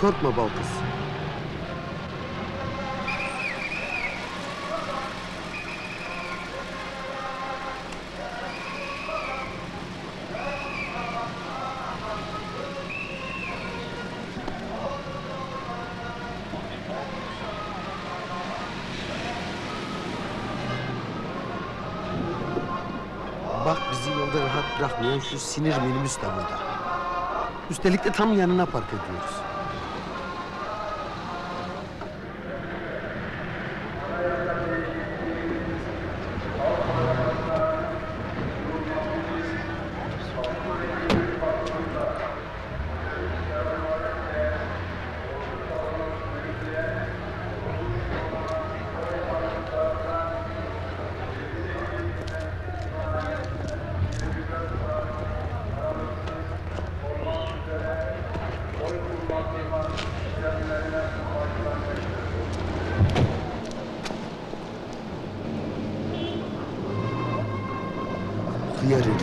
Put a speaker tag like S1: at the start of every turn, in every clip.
S1: korkma bal kız. Bak bizi yolda rahat bırakmayan şu sinir minibüs de burada. Üstelik de tam yanına park ediyoruz. Hıyar herif.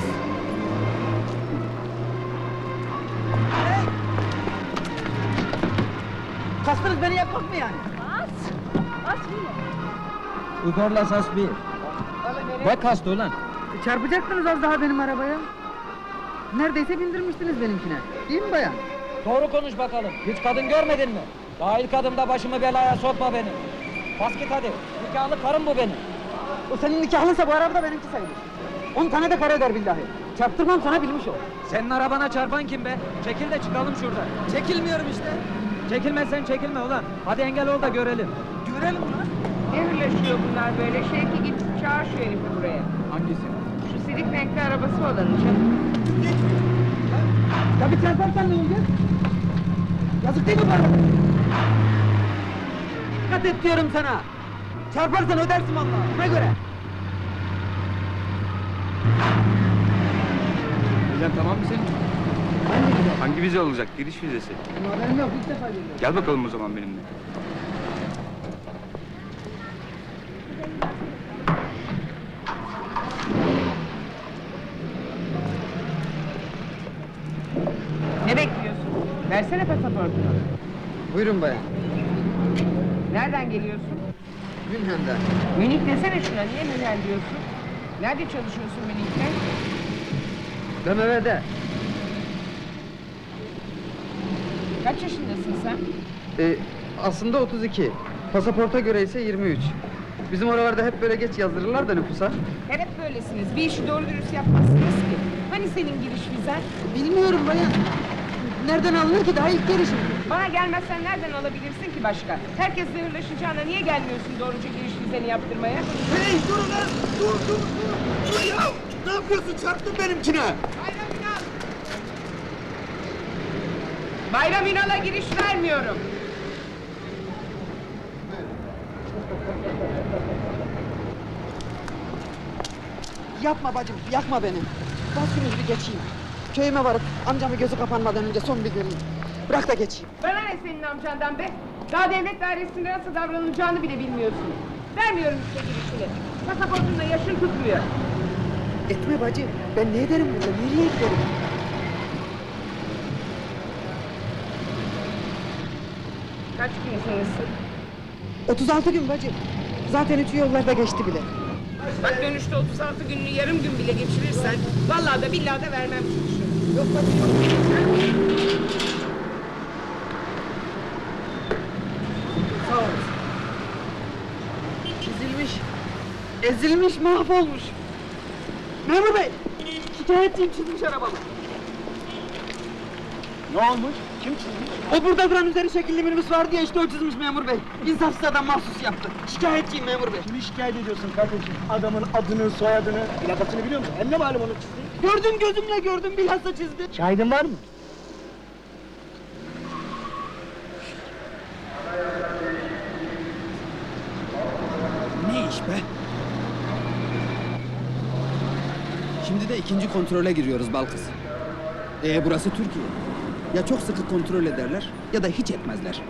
S2: Kastınız beni yapmak mı yani?
S3: Bas bile.
S4: Yukarıla sas bir. Bak kastı ulan.
S2: Çarpacaktınız az daha benim arabaya. Neredeyse bindirmiştiniz benimkine. Değil mi bayan?
S4: Doğru konuş bakalım. Hiç kadın görmedin mi? Daha ilk adımda başımı belaya sokma benim. Bas git hadi. Nikahlı karım bu benim.
S2: O senin nikahlıysa bu araba da benimki sayılır. 10 tane de kara eder billahi. Çarptırmam sana bilmiş ol.
S4: Senin arabana çarpan kim be? Çekil de çıkalım şuradan.
S2: Çekilmiyorum işte.
S4: Çekilmezsen çekilme ulan. Hadi engel ol da görelim.
S2: Görelim lan.
S3: Ne hırlaşıyor bunlar böyle? Şevki git çağır şu herifi buraya.
S4: Hangisi?
S3: Şu silik renkli arabası olanın canım.
S2: Ya bir çarparsan ne olacak? Yazık değil mi bana? Dikkat et diyorum sana. Çarparsan ödersin vallahi. Buna göre.
S5: Vizen tamam mı senin?
S2: Hangi güzel?
S5: Hangi vize olacak? Giriş vizesi.
S2: Ama benim yok, ilk defa geliyorum.
S5: Gel bakalım o zaman benimle.
S3: Ne bekliyorsun? Versene pasaportunu.
S2: Buyurun bayan.
S3: Nereden geliyorsun?
S2: Münhen'den.
S3: Münih desene şuna. Niye Münhen diyorsun? Nerede çalışıyorsun Münih'te?
S2: BMW'de.
S3: Kaç yaşındasın sen?
S2: Aslında 32. Pasaporta göre ise 23. Bizim oralarda hep böyle geç yazdırırlar da nüfusa.
S3: Hep böylesiniz. Bir işi doğru dürüst yapmazsınız ki. Hani senin giriş vizen?
S2: Bilmiyorum bayan. Nereden alınır ki daha ilk gelişim?
S3: Bana gelmezsen nereden alabilirsin ki başka? Herkes zehirleşeceğine niye gelmiyorsun doğruca giriş vizeni yaptırmaya?
S1: Hey dur lan! Dur ya! Ne yapıyorsun? Çarptın benimkine!
S3: Bayram İnal'a giriş vermiyorum.
S2: Yapma bacım, yakma beni. Bas şunu bir geçeyim. Köyüme varıp amcamı gözü kapanmadan önce son bir göreyim. Bırak da geçeyim.
S3: Bana ne senin amcandan be? Daha devlet dairesinde nasıl davranılacağını bile bilmiyorsun. Vermiyorum işte girişini. Pasaportunda yaşın tutmuyor.
S2: Etme bacı, ben ne ederim burada, nereye giderim?
S3: Kaç gün sonrası?
S2: 36 gün bacı. Zaten 3 yollarda geçti bile.
S3: Bak dönüşte 36 gününü yarım gün bile geçirirsen... ...vallahi da billahi da vermem çıkışı.
S2: Yok bacı yok. Sağ ol. Çizilmiş, ezilmiş, mahvolmuş. Memur bey, şikayetçiyim, çizmiş arabamı.
S1: Ne olmuş? Kim çizmiş?
S2: O burada duran üzeri şekilli minibüs vardı ya, işte o çizmiş memur bey. İnsafsız adam mahsus yaptı. Şikayetçiyim memur bey.
S1: Kimi şikayet ediyorsun kardeşim? Adamın adını, soyadını, plakasını biliyor musun? Hem ne malum onu çizdi?
S2: Gördüm, gözümle gördüm, bilhassa çizdi.
S1: Şahidin var mı?
S6: Ne iş be? Şimdi de ikinci kontrole giriyoruz Balkız. Burası Türkiye. Ya çok sıkı kontrol ederler ya da hiç etmezler.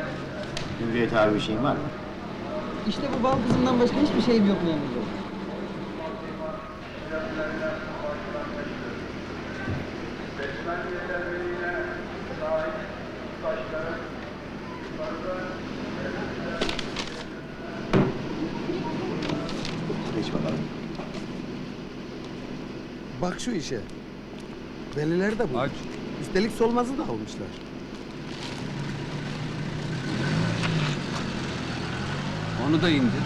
S7: Hürriyet abi bir şeyin var mı?
S2: İşte bu bal kızından başka hiçbir şeyim yok memur bey.
S1: Geç bakalım. Bak şu işe. Veliler de bu.
S5: Aç.
S1: Üstelik solmazı da almışlar.
S5: Onu da indir.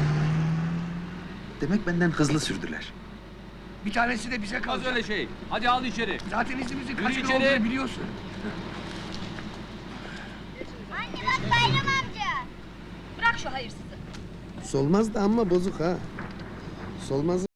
S1: Demek benden hızlı sürdüler.
S7: Bir tanesi de bize
S5: Az
S7: kalacak.
S5: öyle şey. Hadi al içeri.
S7: Zaten izimizin
S5: Yürü
S7: kaç yıl
S5: içeri.
S7: olduğunu biliyorsun.
S8: Anne bak Bayram amca. Bırak şu hayırsızı.
S1: Solmaz da amma bozuk ha. Solmaz